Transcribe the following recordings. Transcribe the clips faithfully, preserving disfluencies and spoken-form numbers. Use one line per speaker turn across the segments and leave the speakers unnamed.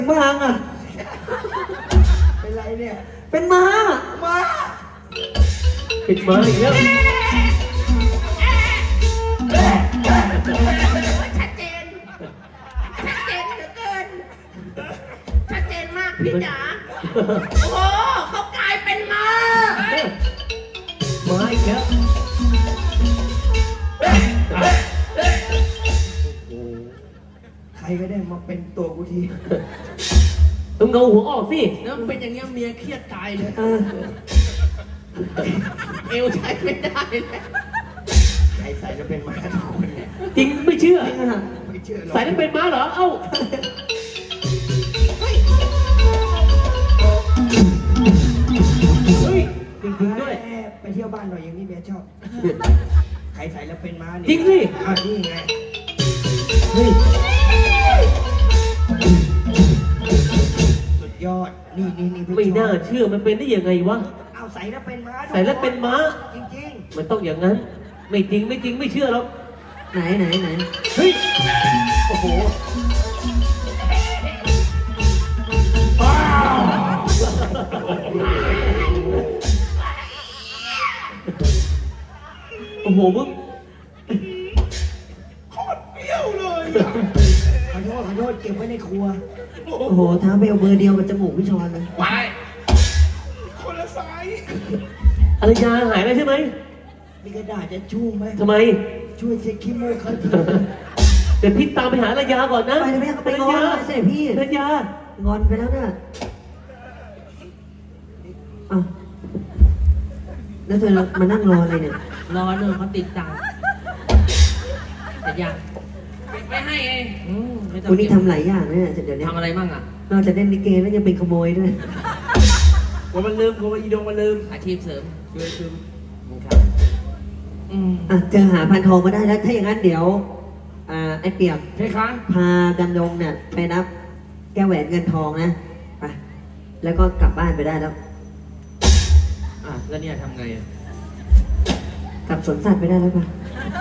ม้าอ่ะ
เป็นไรเนี่ย
เป็นม้า
ม้า
เป็นม้าอีกแล้ว
ชัดเจนชัดเจนเหลือเกินชัดเจนมากพี่จ๋าโอ้โหเขากลายเป็นม้า
ม้าอีกแล้ว
ใครก็ได้มาเป็นตัวกูที
ต้องเงาหัวออกสิ
แล้วเป็นอย่างเงี้ยเมียเครียดตายเลย
เออ
เอวใช้ไม่ได้เลย
ใครใส่จะเป็นม้าทุกคนเนี่ย
จริงไม่เชื่อ
ไม่เชื่อหรอก
ใส่แล้วเป็นม้าเหรอเอ้าเฮ้ยจริงๆด้วย
ไปเที่ยวบ้านหน่อยอย่างนี้เมียชอบใครใส่แล้วเป็นม้าเนี่ย
จริงสิ
อ้าวนี่ไง
เฮ้ย
สุดยอดนี่นี่นี่
ไม่น่าเชื่อมันเป็นได้ยังไงวะ
เอาใส่แล้วเป็นม้า
ใส่แล้วเป็นม้า
จริง
ๆมันต้องอย่างนั้นไม่จริงไม่จริงไม่เชื่อหรอกไหนไหนไหนเฮ้ยโอ้โหโอ้โหมึง
โคตรเปรี้ยวเลยขอโทษขอโทษเก็บไว้ในครัว
โอ้โหท้าเบลเบอร์เดียวกับจมูกพี่ชอนเลย
ไปคนละไซส์
อารยาหายไปใช่ไหม
มีกระดาษจะชุ่มไหม
ทำไม
ช่วยเช็คขี้มูกเขาที
เดี๋ยวพี่ตามไปหาอารยาก่อนนะ
ไปเลยแม่ไปงอนเสด็จพี่
อารยาง
อนไปแล้วน่ะอ้าวแล้วเธอมานั่งรออะไรเนี่ย
รอเนอะเขาติดตังค์แต่ยังไม่ให้เอง
คุณนี่ทำหลายอย่างเนี่ยเดี๋ยวนี้
ทำอะไรบ้างอ่ะ
นอกจากเล่นลิเกแล้วยังเป็นขโมยด้วย
กลัวมันลืมกลัวอีดงมันลืม
อาชีพเสริม
ช่วยซึม
ครับ
อืมอ่ะเจอหาพันทองมาได้แล้วถ้าอย่างนั้นเดี๋ยวอ่าไอ้เปียก
ใช่ครับ
พาดำดงเนี่ยไปนับแก้วแหวนเงินทองนะไปแล้วก็กลับบ้านไปได้แล้ว
อ่ะแล้วเนี่ยทำไงอ่ะ
กลับสวนสัตว์ไปได้แล้วป่ะ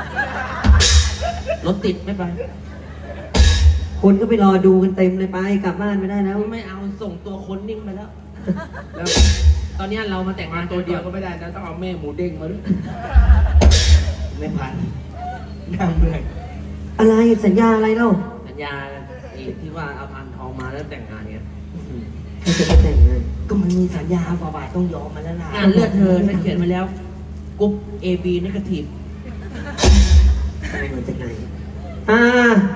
รถติดไม่ไป
คนก็ไปรอดูกันเต็มเลยไปกลับบ้านไม่ได้แล้ว
ไม่เอาส่งตัวคนนิ่งไปแล้วแล้วตอนนี้เรามาแต่งงาน
ตัวเดียวก็ไม่ได้นะต้องเอาแม่หมูเด้งมาด้วยไม่พันนั่งเลย
อะไรสัญญาอะไรเล่า
สัญญาอีกที่ว่าเอาพันทองมาแล้วแต่งงานเนี้ย
ใครจะไปแต่งงาน
ก็มันมีสัญญาฝ่าบาทต้องยอมมาแล้วนะ
งานเลือดเธอฉันเขียนมาแล้วกรุ๊ป เอ บี negative
มาจากไหนอ่า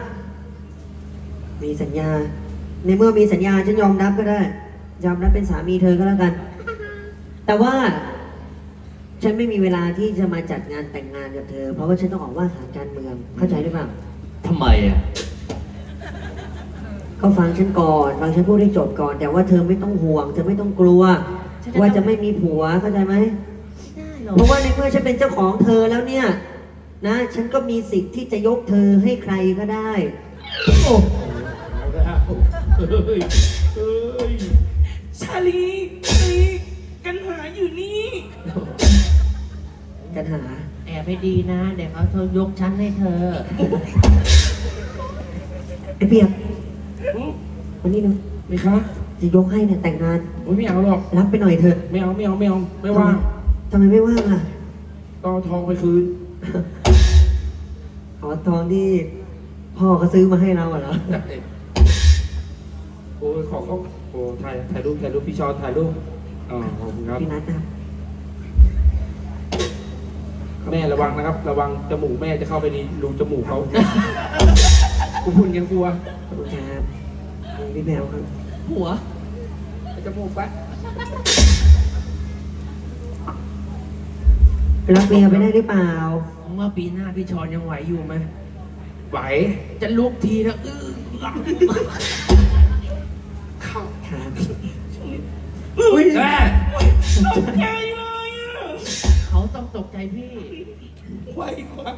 มีสัญญาในเมื่อมีสัญญาฉันยอมรับก็ได้ยอมรับเป็นสามีเธอก็แล้วกันแต่ว่าฉันไม่มีเวลาที่จะมาจัดงานแต่งงานกับเธอเพราะว่าฉันต้องออกว่าหาการเมืองเข้าใจหรือเปล่า
ทำไมอ่ะ
ก็ฟังฉันก่อนฟังฉันพูดให้จบก่อนแต่ว่าเธอไม่ต้องห่วงเธอไม่ต้องกลัวว่าจะไม่มีผัวเข้าใจไหมเพราะว่าในเมื่อฉันเป็นเจ้าของเธอแล้วเนี่ยนะฉันก็มีสิทธิ์ที่จะยกเธอให้ใครก็ได้โอ้
เฮ้ยเฮ้ยชาลีชาลีกันหาอยู่นี่
กันหา
แอบให้ดีนะเดี๋ยวเขาเธอยกชั้นให้เธอ
ไอ้เปียกวันนี้เนาะ
ไม่ครับ
จะยกให้เนี่ยแต่งงาน
ไม่เอาหรอก
รับไปหน่อยเถอะ
ไม่เอาไม่เอาไม่เอาไม่ว่าง
ทำไมไม่ว่างอ่ะ
ต้องทองไปคืน
ขอทองที่พ่อเขาซื้อมาให้เราเหรอ
โอ้ยขอเขาโอ้ถ่ายถ่ายรูปถ่ายรูปพี่ชอนถ่ายรูปอ๋อขอบคุณครับ
พี่นัทนะ
แม่ระวังนะครับระวังจมูกแม่จะเข้าไปในรูจมูกเขากูพูดยังกลัว
ขอบคุณครับพี่แมวครับ
หัว
จมูกปะ
รับเมียไปได้หรือเปล่า
เมื่อปีหน้าพี่ชอนยังไหวอยู่ไหม
ไหว
จะลุกทีแล้วอื้อ
เข้า
ครับ
อุ้ยแม่ตกใจ
เลยอ่ะเขาต้องตกใจพี่
ไวกว่า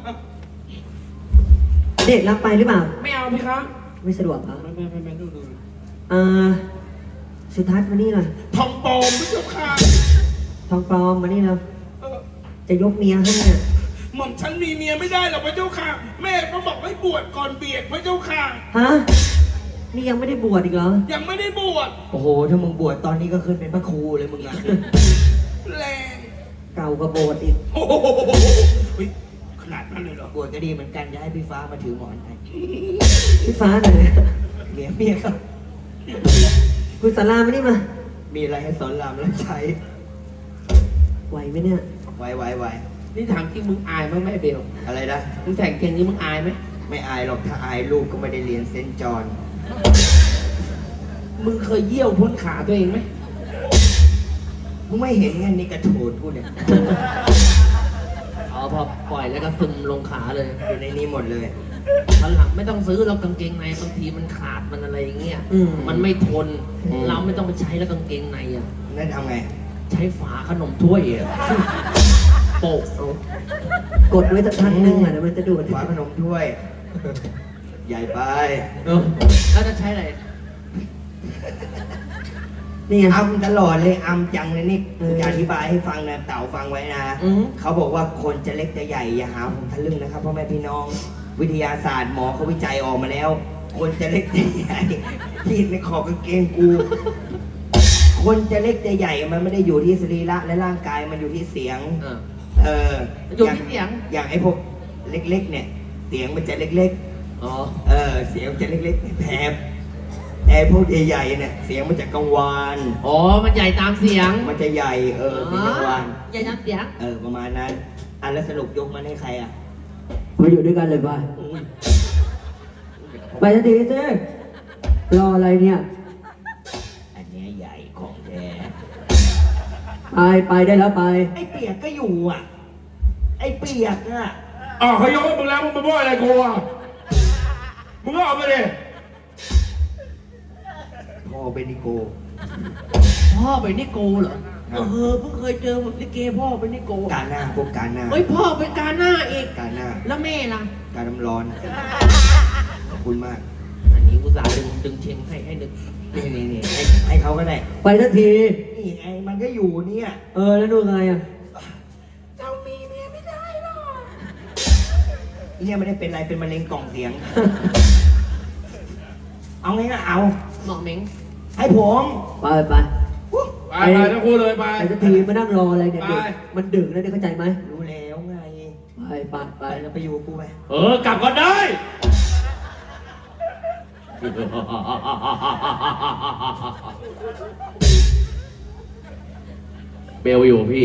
เด็กรับไปหรือเปล่า
ไม่เอาพี่ครับ
ไม่สะดวกเหรอ
ไม่ไม่ไม่ไม่ดูดู
อ่าสุทัศน์มานี่หน่อย
ทองปลอมไม่เจ้าค่ะ
ทองปลอมมานี่เราจะยกเมียให้เนี่ย
หม่อมฉันมีเมียไม่ได้หรอกพระเจ้าค่ะแม่ก็บอกให้บวชก่อนเบียดพระเจ้าค่ะ
ฮะนี่ยังไม่ได้บวชอีกเหรอ
ยังไม่ได้บวช
โอ้โห ถ้ามึงบวชตอนนี้ก็ขึ้นเป็นพระครูเลยมึงอะ
แรง
เก่ากว่าโบสถ์อีก
โอ้โหเฮ้ยขนาดนั้นเลยเหรอบ
วชก็ดีเหมือนกันจะให้พี่ฟ้ามาถือหมอนให้
พี่ฟ้าไหน
เมียเมียครับ
คุณสารามานี่มา
มีอะไรให้สอนรามรับใช้
ไหวไหมเนี่ย
ไว้ไว้ไว้
นี่ถามจริงมึงอายมั้ยแม่เบล
อะไรนะ
มึงแต่งเก่งนี้มึงอายไหม
ไม่อายหรอกถ้าอายลูกก็ไม่ได้เรียนเซนต์จอห์น
มึงเคยเยี่ยวพ้นขาตัวเองไหม
มึงไม่เห็นไงนี่กระโถนพูดเนี่ย
อ๋อพอปล่อยแล้วก็ซึมลงขาเลย
อยู่ในนี้หมดเลย
ตอนหลังไม่ต้องซื้อเรากางเกงในบางทีมันขาดมันอะไรอย่างเงี้ย
อืม
มันไม่ทน
อืม
เราไม่ต้องไปใช้แล้วกางเกงในอ่ะ
นั่นทำไง
ใช้ฝาขนมถ้วยอ่ะโปะเอา
กดไว้สักพักหนึงอ่ะเดี๋ยวมันจะดูด
ฝาขนมถ้วย ใหญ่ไป
เออแล้วจะใช้อะไร
นี่ไง
อำตลอดเลยอำจังเลยนี่
เออ
จะอธิบายให้ฟังนะเต่าฟังไว้นะ
อืม
เขาบอกว่าคนจะเล็กจะใหญ่อย่าหาผมทะลึ่งนะครับพ่อแม่พี่น้อง วิทยาศาสตร์หมอเขาวิจัยออกมาแล้ว คนจะเล็กจะใหญ่ที่ในขอบกางเกงกู คนจะเล็กจะใหญ่มันไม่ได้อยู่ที่สรีระและร่างกายมันอยู่ที่เสียง
เออ
เออ
อยู่ที่เสียง
อย่างไอ้พวกเล็กๆ เนี่ย เสียงมันจะเล็ก
อ๋อ
ๆ เออ เสียงมันจะเล็กๆแผบไอ้พวกใหญ่ๆเนี่ยเสียงมันจะกังวาน
อ๋อ มันใหญ่ตามเสียง
มันจะใหญ่เออเสียงกังวาน
ใหญ่ตามเสียง
เออประมาณนั้นอันแล้วสรุปยกมันให้ใครอ่ะ
มาอยู่ด้วยกันเลยไปไปทันทีเจ้รออะไรเนี่ย
อันเนี้ยใหญ่ของแท้
ไปไปได้แล้วไป
ไอ้เปียกก็อยู่อ่ะ ไอ้เปียกอ่ะ
อ้าวเขายกให้มึงแล้วมึงมาบ่นอะไรกูอ่ะ มึงก็เอาไปดิ
พ่อเป็นนิโก
พ่อเป็นนิโกเหรอ เออเพิ่งเคยเจอลิเกพ่อเป็นนิโก
การหน้าพวกการหน้า
เฮ้ยพ่อเป็นกาหน้าอีก
การหน้า
แล้วแม่ล่ะ
การน้ำร้อนขอบคุณมาก
อันนี้อุตส่าห์ดึงดึงเชงให้ให้นึก
นี่นี่นี่ให้ให้เขาก็ได้
ไปทันที
นี่ไงมันก็อยู่เนี่ย
เออแล้วดูไงอ่ะ
เจ้ามีเมียไม่ได้หรอกอีเนี่ยไม่ได้เป็นอะไรเป็นมะเร็งกล่องเสียง เอาไงก็เอา
หมอเม้ง
ให้ผม
ไปไป
อุ๊ย
ไปไปทั้งคู่เลยไป
ไปทันทีมานั่งรออะไรเนี่ย
ไป
เด็กมันดึกแล้วเนี่ยเข้าใจไหม
รู้แล้วไง
ไปไปไป
ไปแล้วไปอยู่กับกูไป
เออกลับก่อนได้
เบลอยู่พี่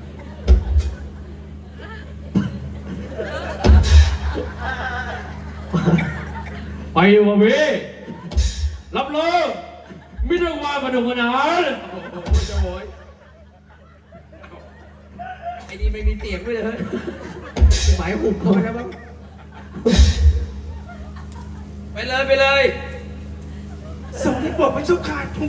ไปอยู่กับพี่ รับเลยไม่ต้องว่ามาดูขนาดโอ้ยไอ้นี่ไม่มีเตียงด้วยเลยหมายหุบเข้าไปแล้วมั้งไปเลยไปเลยส่งให้ปลดไปชุกขาด